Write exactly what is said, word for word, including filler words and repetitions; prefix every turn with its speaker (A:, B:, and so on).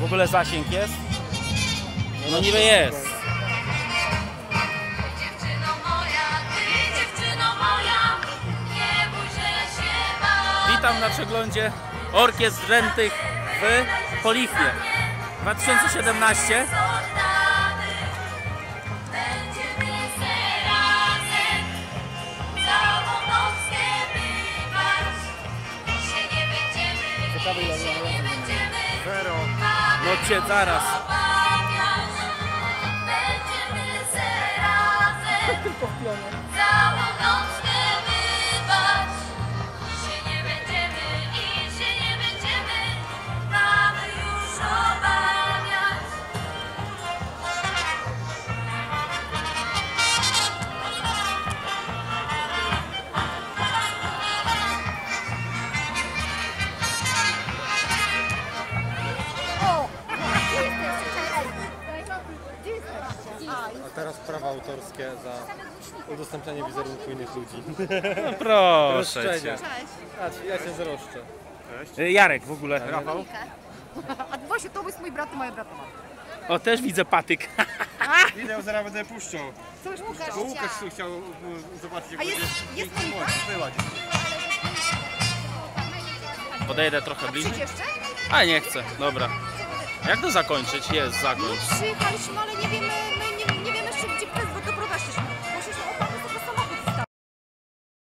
A: W ogóle zasięg jest? No niby jest. Witam na przeglądzie orkiestr rętych w Polichwie dwa tysiące siedemnaście.
B: Zero.
A: No cię zaraz.
C: Tylko w pionie.
B: A teraz prawa autorskie za udostępnianie wizerunku innych ludzi.
A: No proszę cię.
B: Roszczenia. A, ja cię zaroszczę.
A: Y, Jarek w ogóle.
B: Rafał?
C: A właśnie, to jest mój brat i moja brata.
A: O, też widzę patyk.
B: Idę, zaraz będę puszczał.
C: Co już Łukasz?
B: Bo Łukasz tu chciał uh, zobaczyć, jak
C: A jest-
B: będzie
C: jest
B: piękny
C: monika?
B: młodź, była dziś.
A: Podejdę trochę bliżej.
C: Przyjdź jeszcze?
A: A nie chcę, dobra. Jak to zakończyć? Jest, zakończ.
C: Przyjechaliśmy, ale nie wiemy, my nie, nie wiemy jeszcze, gdzie prezes